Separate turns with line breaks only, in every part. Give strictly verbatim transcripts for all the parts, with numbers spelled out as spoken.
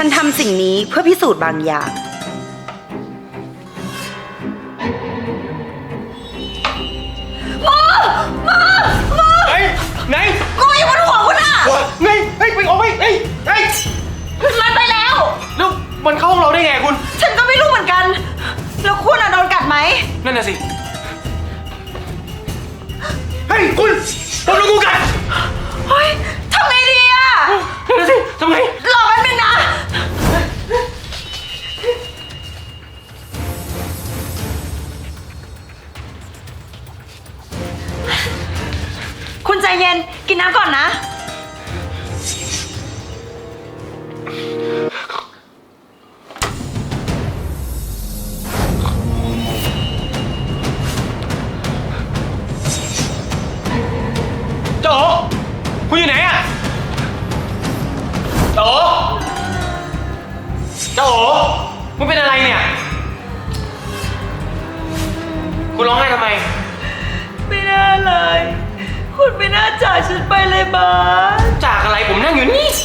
นทำสิ่งนี้เพื่อพิสูจน์บางอย่างหมอหมอหมอ
ไหนไหน
งูอยู่บนหัวคุณอะ
ไหนเฮ้ยไปออกไปเฮ้ยเฮ้ย
มันไปแล้ว
แล้วมันเข้าห้องเราได้ไงคุณ
ฉันก็ไม่รู้เหมือนกัน แล้วคุณอะโดนกัดไหม
นั่นน่ะสิเฮ้ยคุณโดนงูกัด
เฮ้ยทำไงดีอะ
นั่นน่ะสิทำไง
รอแป๊บนึงนะคุณใจเย็นกินน้ำก่อนนะ
โจคุณอยู่ไหนอะโจโจคุณเป็นอะไรเนี่ยคุณร้องไห้ทำไม
ไม่น่าเลย คุณไม่น่าจากฉันไปเลยบาส
จากอะไรผมนั่งอยู่นี่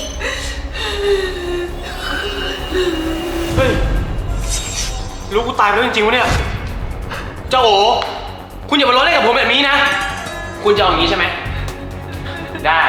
เฮ้ยรู้กูตายไปแล้วจริงๆวะเนี่ยเจ้าโอคุณอย่ามาล้อเล่นกับผมแบบนี้นะคุณจะเอาอย่างนี้ใช่ไหมได้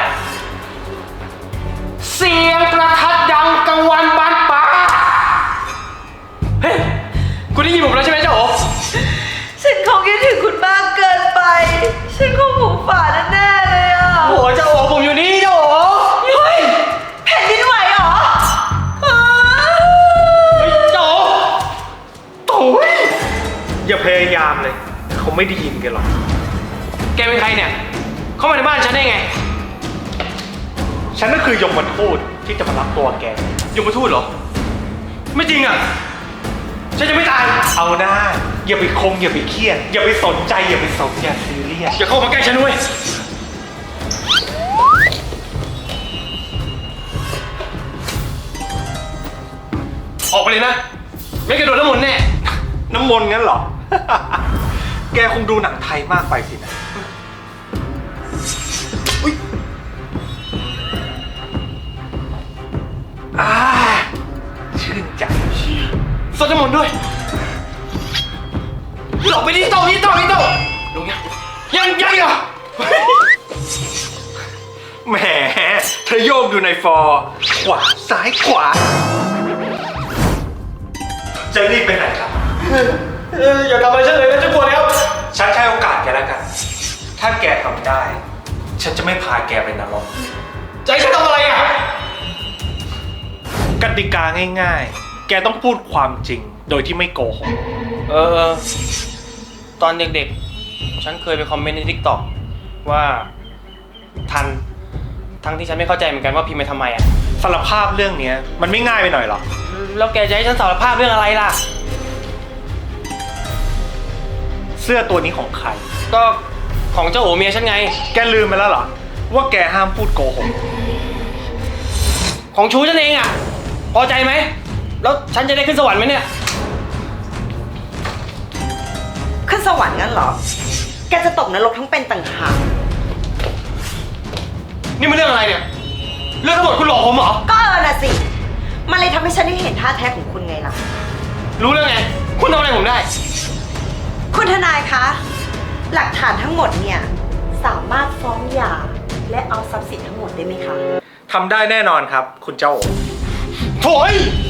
เสียงประทัดดังกังวานบานป่าเฮ้ยคุณได้ยินผมแล้วใช่ไหมเจ้าโอ
ฉันคงคิดถึงคุณมากเกินไป ฉันคงหูฝาดแน่ๆเลยอ่ะ
โอ้โหเจ้าโอผมอยู่นี่เจ้าโอ
เฮ้ยแผ่นดินไหวเหรออ้าว
เฮ้ยเจ้าโอโอ้ย
อย่าพยายามเลย เขาไม่ได้ยินกันหรอก
แกเป็นใครเนี่ยเข้ามาในบ้านฉันได้ไง
ฉันก็คือยมทูตที่จะมารับตัวแก
ยมทูตเหรอไม่จริงอ่ะฉันจะไม่ตาย
เอาหน้า อย่าไปคงอย่าไปเครียด อย่าไปสนใจอย่าไปสนอย่าซีเรียส
อย่าเข้ามาใกล้ฉันด้วยออกไปเลยนะไม่กระโดดน้ำมนต์แน่
น้ำมนต์งั้นเหรอ แกคงดูหนังไทยมากไปสินะอุ๊ยอ่าชื่นใจ
สดน้ำมนต์ด้วยหลบไปนี่เต่านี่เต่านี่เต่าลงยังยังยังเหรอ
แหมเธอโยกอยู่ในฟอร์ขวาซ้ายขวา จะรีบไปไหนครับ
เอออย่าทำอะไรฉันเลยนะฉันกลัวแล้ว
ฉันให้โอกาสแกแล้วกัน ถ้าแกทำได้ ฉันจะไม่พาแกไปนรก
จะให้ฉันทำอะไรอ่ะ
กติกาง่ายๆ แกต้องพูดความจริง โดยที่ไม่โกหก
เออ ตอนเด็กๆ ฉันเคยไปคอมเมนต์ในทิกตอกว่าทัน ทั้งที่ฉันไม่เข้าใจเหมือนกันว่าพิมพ์ไปทำไมอ่ะ
สารภาพเรื่องเนี้ยมันไม่ง่ายไปหน่อยหรอ
แล้วแกจะให้ฉันสารภาพเรื่องอะไรล่ะ
เสื้อตัวนี้ของใคร
ก็ของเจ้าโอเมียฉันไง
แกลืมไปแล้วเหรอ ว่าแกห้ามพูดโกหก
ของชูฉันเองอ่ะ พอใจไหม แล้วฉันจะได้ขึ้นสวรรค์ไหมเนี่ย
ขึ้นสวรรค์งั้นเหรอ แกจะตกนรกทั้งเป็นต่างหาก
นี่มันเรื่องอะไรเนี่ย เรื่องทั้งหมดคุณหลอกผมเหรอ
ก็เออน่ะสิ มันเลยทำให้ฉันได้เห็นท่าแท้ของคุณไงล่ะ
รู้เรื่องไง คุณทำอะไรผมได้
คุณทนายคะ หลักฐานทั้งหมดเนี่ย สามารถฟ้องหย่าและเอาทรัพย์สินทั้งหมดได้ไหมคะ
ทำได้แน่นอนครับ คุณเจ้าโอ
โถ่ย